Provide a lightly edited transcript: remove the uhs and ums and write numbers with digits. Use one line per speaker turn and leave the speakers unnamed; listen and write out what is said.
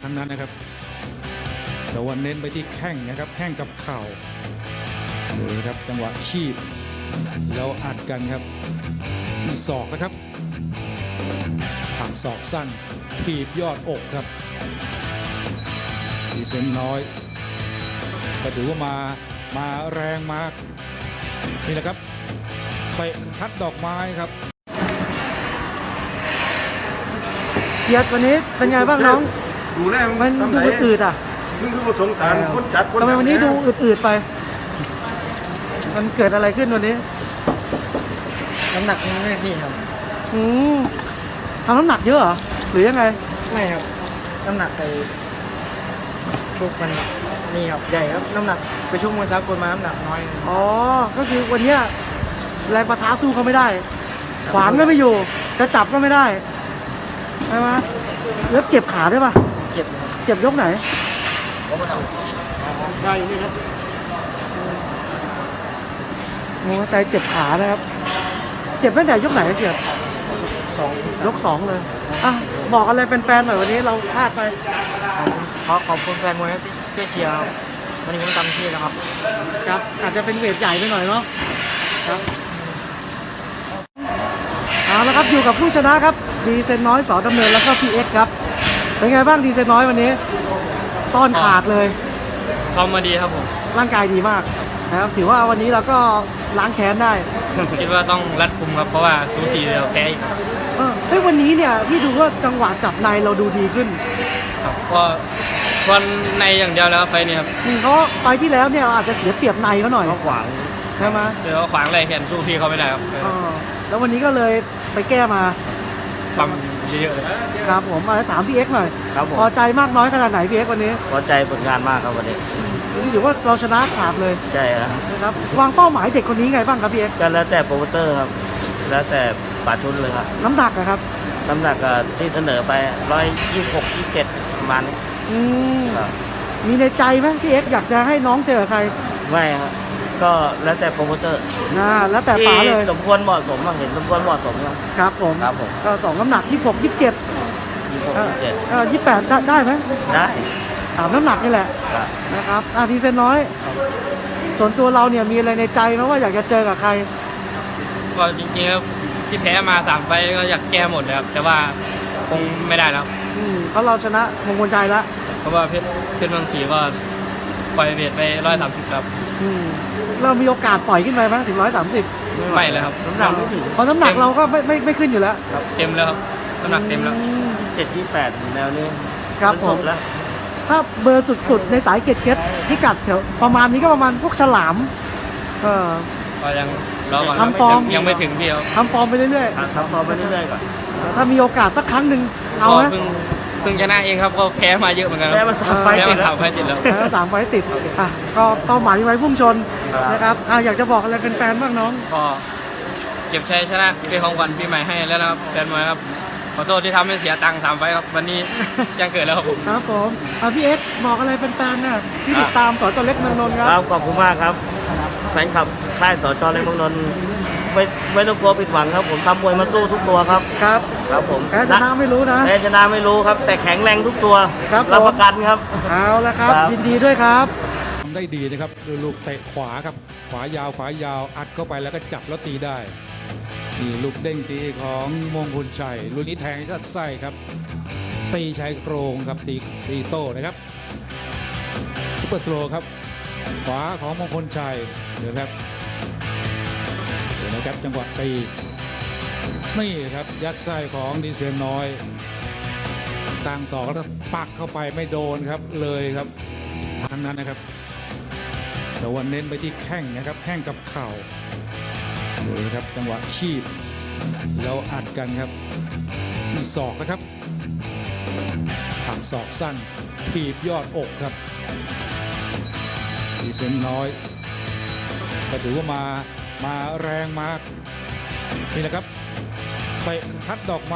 ทั้งนั้นนะครับแต่ว่าเน้นไปที่แข้งนะครับแข้งกับเข่าดูนะครับจังหวะคีบแล้วอัดกันครับมีศอกนะครับหักศอกสั้นถีบยอดอกครับดีเซนน้อยก็ถือว่ามาแรงมากนี่แหละครับเตะทัดดอกไม้ครับ
เกียรติวันนี้เป็นไงบ้างน้อง
ดูแล
มันดูอืดอ่ะ
มึงดูสงสารคนจัดคน
ทำไมวันนี้ดูอืดๆไปมันเกิดอะไรขึ้นวันนี้
น้ำหนักไม่พี่ครับ
อืมทำน้ำหนักเยอะเหรอหรือยังไง
ไม่ครับน้ำหนักไปชุกมันนี่ครับใหญ่ครับน้ำหนักไปชุกมวยสากลมาน้ำหนักน้อย
อ๋อก็คือวันนี้แรงปะทะสู้เขาไม่ได้ขวางก็ไม่อยู่จะจับก็ไม่ได้ใช่ไหมแล้วเจ็บขาด้วยป่ะเจ็บยกไหน
ใช่นี่ครับ
โอ้ใจเจ็บขานะครับเจ็บตั้งแต่ยกไหนเจ็บยกสองเลยอ่ะบอกอะไรเป็นแฟนหน่อยวันนี้เราพลาดไป
ขอบคุณแฟนมวยที่ช่วยเชียร์วันนี้ผมทำที่แล้วครับ
ครับอาจจะเป็นเวทใหญ่ไปหน่อยเนาะครับเอาละครับอยู่กับผู้ชนะครับดีเซนน้อยสอดำเนินแล้วก็พีเอ็กครับเป็นไงบ้างดีเซนน้อยวันนี้ต้อนขาดเลย
ซ้อมมาดีครับผม
ร่างกายดีมากนะครับถือว่าวันนี้เราก็ล้างแค้นได้
คิดว่าต้องรัดกุมครับเพราะว่าสูสีเราแพ้อีก
เฮ้ยวันนี้เนี่ยพี่ดูว่าจังหวะจับในเราดูดีขึ้น
ครับก็วันในอย่างเดียวแล้วไฟนี่ครับ
เพราะไฟที่แล้วเนี่ยอาจจะเสียเปรียบในเขาหน่อย
ขวาง
ใช่ไหม
เดี๋ยวขวางอะไรแขนสู้พี่เขาไม่ได้ครับ
แล้ววันนี้ก็เลยไปแก้มา
ปั๊มเยอะๆเลย
ครับผมมาถามพี่เอ็กซ์หน่อย
ครับผม
พอใจมากน้อยขนาดไหนพี่เอ็กซ์วันนี้
พอใจผลงานมากครับวันนี้
ถือว่าเราชนะขาดเลย
ใช่ครับ
นะครับวางเป้าหมายเด็กคนนี้ไงบ้างครับพี่เอ็กซ์
ก็แล้วแต่โปรโมเตอร์ครับแล้วแต่ป่าชุนเลยครับ
น้ำหนักนะครับ
น้ำหนักที่เสนอไป126 27ประมาณนี้
มีในใจไหมพี่เอ็กซ์อยากจะให้น้องเจอใคร
ไม่ครับก็แล้วแต่โปรโมเตอร์
แล้วแต่ป๋าเลย
สมควรเหมาะสมเห็นสมควรเหมาะสม
ครับผมก็สองน้ำหนัก26 27 28ได้ไหม
ได้
ถามน้ำหนักนี่แหละนะครับทีเซนน้อยส่วนตัวเราเนี่ยมีอะไรในใจไหมว่าอยากจะเจอกับใคร
ก็จริงๆแล้วที่แพ้มา3 ไฟก็อยากแก้หมดเลยครับแต่ว่าคงไม่ได้แล้ว
เพราะเราชนะมงคลใจแล้ว
เพราะว่าเพชรเมืองศรีก็ปล่อยเวทไป130ครับ
เรามีโอกาสปล่อยขึ้นไปไหมถึง130
ไม่เลยครับ
น้ำหนักไม่ถึงเพราะน้ำหนักเราก็ไม่ขึ้นอยู่แล้ว
เต็มแล้วครับน้ำหนักเต็มแล้ว728แนวนี้
ครับผมแล้วถ้าเบอร์สุดๆในสายเก็ตพิกัดแถวประมาณนี้ก็ประมาณพวกฉลาม
ก็ยังรอก่อน
ทำฟอร์ม
ยังไม่ถึงเดียว
ทำฟอร์มไปเรื่อย
ๆทำฟอร์มไปเรื่อยๆก่อน
ถ้ามีโอกาสสักครั้งหนึ่งเอาไหม
เพิ่งชนะเองครับก็แพ้มาเยอะเหมือนกัน
แพ้มา3 ไฟติดแล้ว3 ไฟติดก็เป้าหมายไว้พุ่งชนนะครับอยากจะบอกอะไรเป็นแฟนบ้างน้อง
ก็เก็บชัยชนะเป็นของขวัญปีใหม่ให้แล้วนะครับแฟนมวยครับขอโทษที่ทำให้เสียตังค์3 ไฟครับวันนี้ยังเกิดแล้วครับผม
ครับผมพี่เอ็กซ์บอกอะไรเป็นแฟนน่ะที่ติดตามสจ.เล็กเมืองนนท์ครับ
ขอบคุณมากครับแฟนคลับค่ายสจ.เล็กเมืองนนท์ไม่ต้องกลัวผิดหวังครับผมทำมวยมาสู้ทุกตัวครับ
ครับ
ผม
แพ้ชนะไม่รู้นะ
แพ้ชนะไม่รู้ครับแต่แข็งแรงทุกตัวรับประกันครับ
เอาละครับยินดีด้วยครับ
ทำได้ดีนะครับลูกเตะขวาครับขวายาวอัดเข้าไปแล้วก็จับแล้วตีได้นี่ลูกเด้งตีของมงคลชัยลูกนี้แทงก็ไส้ครับตีชายโครงครับตีโต้นะครับซุปเปอร์สโลว์ครับขวาของมงคลชัยเดี๋ยวนะครับจังหวะตีนี่ครับยัดไส้ของดีเซนน้อยต่างศอกแล้วปักเข้าไปไม่โดนครับเลยครับทั้งนั้นนะครับแต่ว่าเน้นไปที่แข้งนะครับแข้งกับเข่าดูนะครับจังหวะคีบแล้วอัดกันครับมีศอกนะครับหักศอกสั้นถีบยอดอกครับดีเซนน้อยก็ถือว่ามาแรงมากนี่แหละครับเตะทัดดอกไม้